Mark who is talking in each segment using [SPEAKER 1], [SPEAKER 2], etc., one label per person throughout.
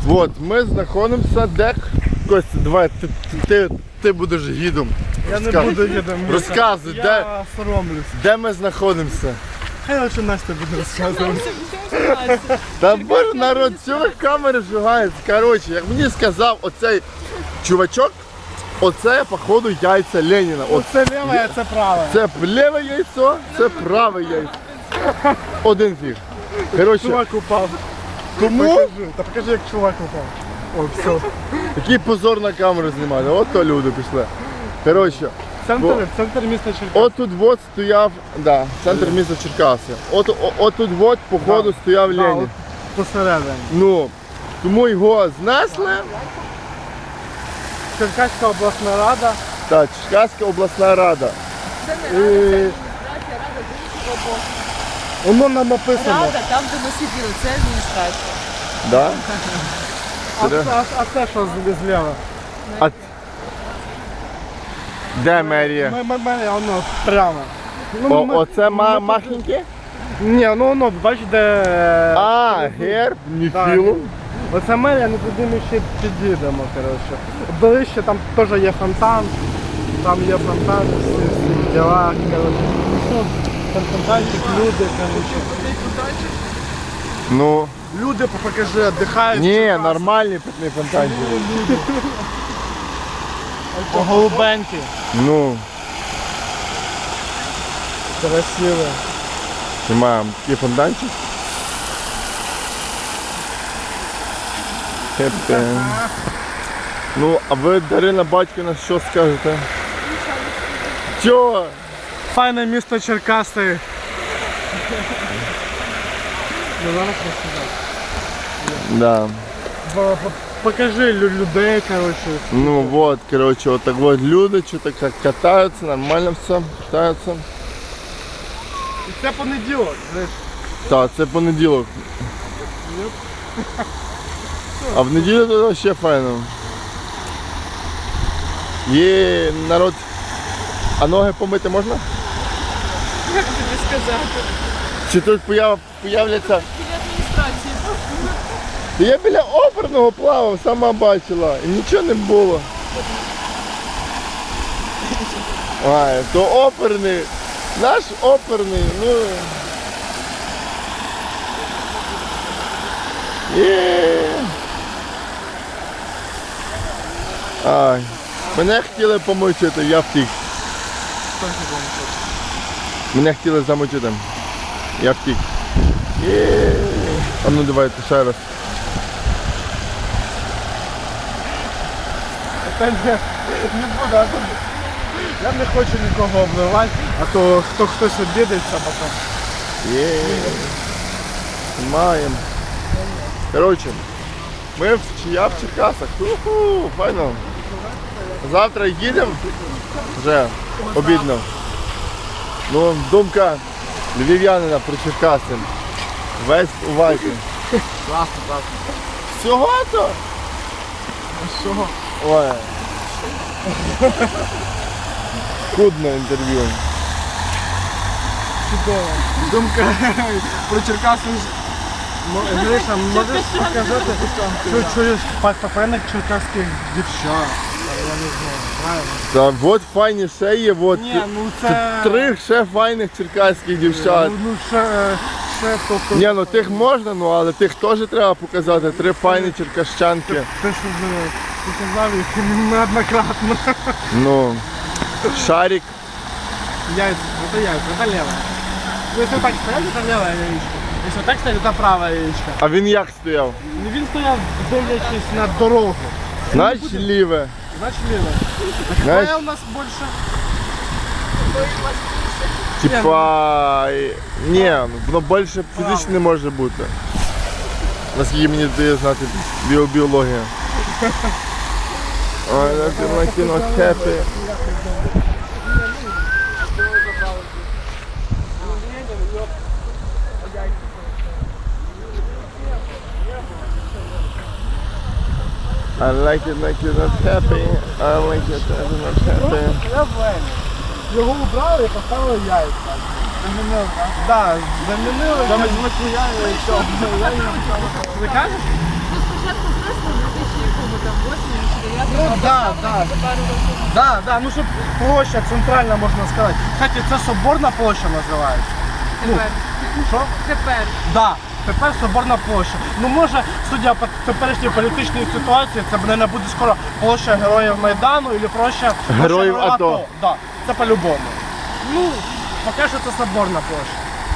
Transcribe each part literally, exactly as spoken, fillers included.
[SPEAKER 1] От, ми знаходимося де... Костя, давай, ти, ти, ти будеш гідом.
[SPEAKER 2] Я не буду гідом.
[SPEAKER 1] Розказуй,
[SPEAKER 2] я
[SPEAKER 1] де,
[SPEAKER 2] соромлюсь.
[SPEAKER 1] де ми знаходимося?
[SPEAKER 2] Хай лише Настя буде розказувати.
[SPEAKER 1] Та боже, народ, що ви камери вживаєте? Коротше, як мені сказав оцей чувачок, оце, походу, яйця Леніна. От,
[SPEAKER 2] Це ліве, а це праве.
[SPEAKER 1] це ліве яйцо, це праве яйцо. Один фіг. Коротше,
[SPEAKER 2] Чувак упав.
[SPEAKER 1] тому
[SPEAKER 2] Покажи. Та покажи, як чувак упав. О, все.
[SPEAKER 1] такий позор на камеру знімати. От то люди пішли. Коротше,
[SPEAKER 2] Центр,
[SPEAKER 1] Бо-
[SPEAKER 2] центр міста Черкас.
[SPEAKER 1] от тут от стояв, да, центр міста Черкаси. От, о- от тут от, походу, стояв
[SPEAKER 2] Да,
[SPEAKER 1] Ленін.
[SPEAKER 2] от посередині.
[SPEAKER 1] Ну, тому його знесли.
[SPEAKER 2] Черкаська обласна рада.
[SPEAKER 1] Так, Черкаська обласна рада.
[SPEAKER 3] Це не рада, це адміністрація, рада з іншого боку.
[SPEAKER 2] Воно нам написано.
[SPEAKER 3] Рада, там, де ми сиділи, це адміністрація.
[SPEAKER 1] Да?
[SPEAKER 2] А, а, а це що з- зліва?
[SPEAKER 1] А... Де мерія?
[SPEAKER 2] Ми- ми- ми- Воно прямо. Ну,
[SPEAKER 1] О,
[SPEAKER 2] ми-
[SPEAKER 1] оце ма
[SPEAKER 2] ми-
[SPEAKER 1] махеньке?
[SPEAKER 2] Ні, ну воно, бач, де...
[SPEAKER 1] А, герб, ніхіло.
[SPEAKER 2] Оце мерія, ну туди ми ще підійдемо, коротше. Ближче там теж є фонтан, там є фонтан, всі, всі діла, коротше. Ну, там фонтанчик, люди, коротше.
[SPEAKER 1] Ну,
[SPEAKER 2] Люди, покажи, віддихають.
[SPEAKER 1] ні, нормальні питні фонтанчики.
[SPEAKER 2] Голубенькі.
[SPEAKER 1] Ну,
[SPEAKER 2] Красиво.
[SPEAKER 1] знімаємо такий фонтанчик. Хеппі. Ну, а ви, Дарина Батьківна, що скажете? Чого?
[SPEAKER 2] Файне місто Черкаси. Ну, зараз розказати.
[SPEAKER 1] Да.
[SPEAKER 2] Бо- бо- Покажи лю- людей, коротше.
[SPEAKER 1] Ну вот, короче, вот так вот люди что-то как катаются, нормально все, катаются.
[SPEAKER 2] І це понеділок, знаєш.
[SPEAKER 1] Так, це понеділок. А в неділю тут вообще файно. Є народ. А ноги помити можна?
[SPEAKER 3] Як тобі сказати?
[SPEAKER 1] Чи тут появ, появляться?
[SPEAKER 3] Біля адміністрації.
[SPEAKER 1] Та я біля оперного плавав, сама бачила, і нічого не було. Ай, то оперний, наш оперний, ну. Є. Ай, мене хотіли помочити, я втік. Мене хотіли замочити, я втік. Є. А ну давайте ще раз.
[SPEAKER 2] Та ні, не буду, а то я не хочу нікого обливати, а то хто хтось обідеться потім.
[SPEAKER 1] Є. Маємо. Коротше, ми в Чия в Черкасах. Уху, файно. Завтра їдемо. Вже обідно. Ну, думка львів'янина про Черкаси. Весь у вайті.
[SPEAKER 2] Класно, класно.
[SPEAKER 1] Всього-то?
[SPEAKER 2] Що?
[SPEAKER 1] Ой. Скудне інтерв'ю.
[SPEAKER 2] Чудово. Думка про Черкаси. М- Гриша, можеш показати, що чуєш файних черкаських дівчат? Я не знаю, правильно?
[SPEAKER 1] Та от файні ще є, от
[SPEAKER 2] Ні, ну це...
[SPEAKER 1] три ще файних черкаських дівчат.
[SPEAKER 2] Ну, ну ще, ще тобто...
[SPEAKER 1] Ні, ну тих можна, ну але тих теж треба показати. Три файні черкащанки.
[SPEAKER 2] Ти що вже показав їх неоднократно.
[SPEAKER 1] Ну, Шарик.
[SPEAKER 2] Яйца, это яйца, это левое. Ну, если так стоять, это левое яичко. Если так стоять, это правое яичко.
[SPEAKER 1] А він як стояв?
[SPEAKER 2] Ну, він стояв, дивлячись на дорогу.
[SPEAKER 1] Значить ліве.
[SPEAKER 2] Значить левое. А
[SPEAKER 1] Знаєш-
[SPEAKER 2] какое у нас больше?
[SPEAKER 1] Типа. Ні, воно більше фізично не може бути. Наскільки мені дає знати біобіологія. Ой, на кіно хеппі. I like it like you're not happy. I like it like you're not happy.
[SPEAKER 2] Левое. Його убрали і поставили яйця. Замінили, так? Так, замінили. Замінили яйця і все. Ви кажеш?
[SPEAKER 3] Ну, спочатку просто
[SPEAKER 2] Ну да, да. Да, да, ну щоб площа центральна, можна сказати. Кстати, це Соборна площа називається.
[SPEAKER 3] Тепер.
[SPEAKER 2] Що?
[SPEAKER 3] Тепер.
[SPEAKER 2] Да, тепер Соборна площа. Ну може, судя по теперішній політичній ситуації, це, мабуть, буде скоро площа Героїв Майдану або площа
[SPEAKER 1] Героїв
[SPEAKER 2] площа
[SPEAKER 1] АТО.
[SPEAKER 2] Да, це по-любому. Ну, поки що це Соборна площа.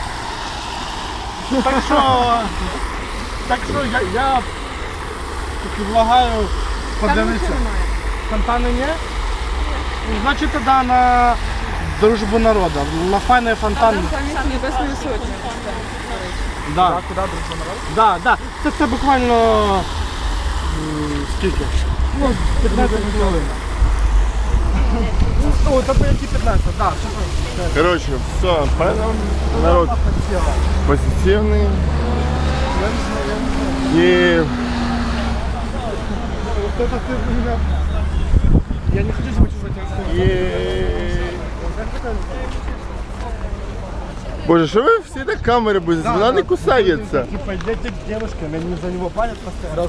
[SPEAKER 2] Так що, так що я, я предлагаю
[SPEAKER 3] Там
[SPEAKER 2] подивитися.
[SPEAKER 3] нічого немає.
[SPEAKER 2] Фонтани ні? Ну, значить тоді на дружбу народу. На файний фонтан.
[SPEAKER 3] Там замість Небесної Сотні.
[SPEAKER 2] Да. Куди дружба народу? Да, да. Це, це буквально м, скільки? Ну, п'ятнадцять хвилин. О, це по які п'ятнадцять, так.
[SPEAKER 1] Короче, все, поэтому народ позитивный. И
[SPEAKER 2] Вот это ты у меня... Я не хочу звучать как
[SPEAKER 1] и... Боже, що ви всі на камери будете? Вона не кусається.
[SPEAKER 2] Типа, идите к девушкам, они за него палят постоянно.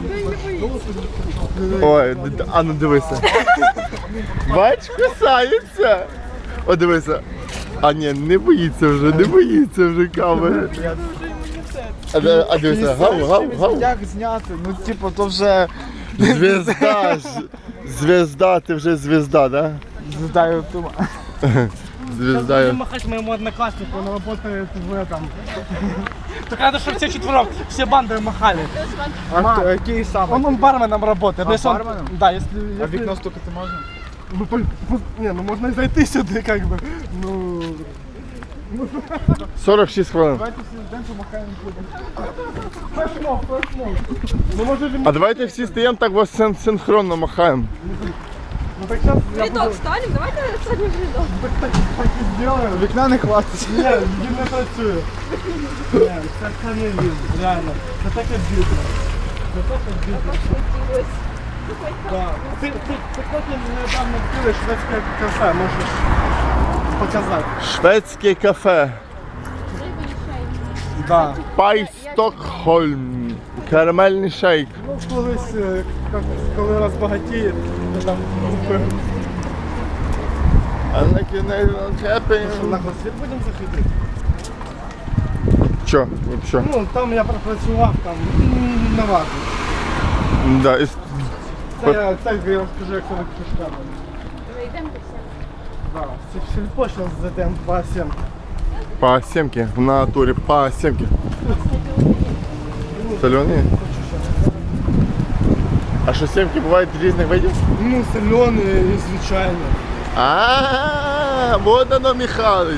[SPEAKER 1] Ой, д- д- а ну дивися. Бач, кусається. О, дивися. А ні, не боїться вже, не боїться вже камери. А, де- а дивися, гав, гав, гав.
[SPEAKER 4] Як зняти? Ну, типу, то вже
[SPEAKER 1] Звезда, ж- звезда, ти вже звезда, да?
[SPEAKER 4] здаю тума.
[SPEAKER 1] Звезда.
[SPEAKER 2] Будем махать моему однокласснику, он работает в этом. Так надо, чтобы все четвером, все банды махали.
[SPEAKER 4] А хто, який саме?
[SPEAKER 2] Он, он барменом работает.
[SPEAKER 4] А,
[SPEAKER 2] Если он-
[SPEAKER 4] барменом?
[SPEAKER 2] Да, если...
[SPEAKER 4] А
[SPEAKER 2] если-
[SPEAKER 4] вікно стукати можна?
[SPEAKER 2] Ну, по- по- не, ну можно и зайти сюда, как бы. Ну...
[SPEAKER 1] сорок шість хвилин.
[SPEAKER 2] Давайте все ждем, помахаем. Флешмоб, флешмоб. Ну, может, ли-
[SPEAKER 1] А давайте всі стоїмо так ось син- синхронно махаємо.
[SPEAKER 2] Ну, так сейчас я
[SPEAKER 3] Рядок
[SPEAKER 2] буду...
[SPEAKER 3] станем, давайте садим в рядок.
[SPEAKER 2] Так, так, так и сделаем.
[SPEAKER 4] Вікна не хватить.
[SPEAKER 2] Ні, він не працює. Ні, це, це не він, реально. Це так обідно. Це так обідно. Да. Ти, ти, ти потім недавно відкрили шведське кафе, можеш показати.
[SPEAKER 1] Шведське кафе.
[SPEAKER 2] Да.
[SPEAKER 1] Пай Стокхольм. Карамельний шейк.
[SPEAKER 2] Ну, колись, е, як- коли розбагатіє, то там купив.
[SPEAKER 1] А на кінець
[SPEAKER 2] Що, на гласір будемо заходити?
[SPEAKER 1] Чо? Що?
[SPEAKER 2] Ну, там я пропрацював, там, м, на вазу.
[SPEAKER 1] Да, і...
[SPEAKER 2] Це я, це я розкажу, як це кишками.
[SPEAKER 3] Зайдемо до всіх.
[SPEAKER 2] Да, це в сільпо зараз зайдемо по сім.
[SPEAKER 1] По сімки, в натурі, по сімки. Солені? А що сімки бувають різних видів?
[SPEAKER 2] Ну, соленые і звичайні.
[SPEAKER 1] А, вот оно, Михалыч.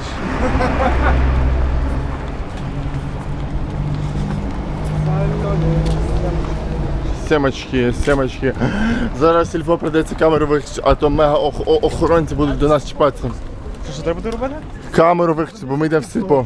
[SPEAKER 1] Семочки, семочки. Зараз сільфо придеться камеру виключити, а то мега ох- о- охоронці будуть до нас чіпатися.
[SPEAKER 2] Що, що треба буде робити?
[SPEAKER 1] Камеру виключити, бо ми йдемо в сільпо.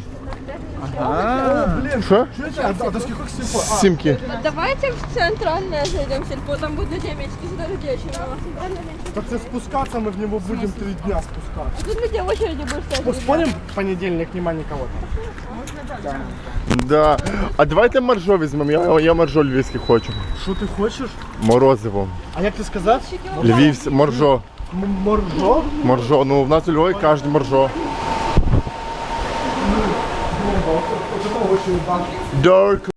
[SPEAKER 2] Блін,
[SPEAKER 1] Що?
[SPEAKER 2] чуєте, а, а до скількох сільпо? А,
[SPEAKER 1] Сімки.
[SPEAKER 3] Давайте в центральное зайдем в сельпо, там будет девочки сюда людей очень много. Центральное зайдем.
[SPEAKER 2] так це спускатися, ми в нього будемо три дня спускатися.
[SPEAKER 3] Тут люди в очереди будут стоять.
[SPEAKER 2] Поспорим, в понедельник нема нікого там.
[SPEAKER 1] Да. А давайте моржо візьмемо. Я, я моржо львівське хочу.
[SPEAKER 2] Що ти хочеш?
[SPEAKER 1] Морозиво.
[SPEAKER 2] А як ти сказав?
[SPEAKER 1] Львівське, моржо.
[SPEAKER 2] М- Моржо?
[SPEAKER 1] Моржо. Ну, в нас у Львові кажуть моржо.
[SPEAKER 2] Це очень багато.
[SPEAKER 1] Dark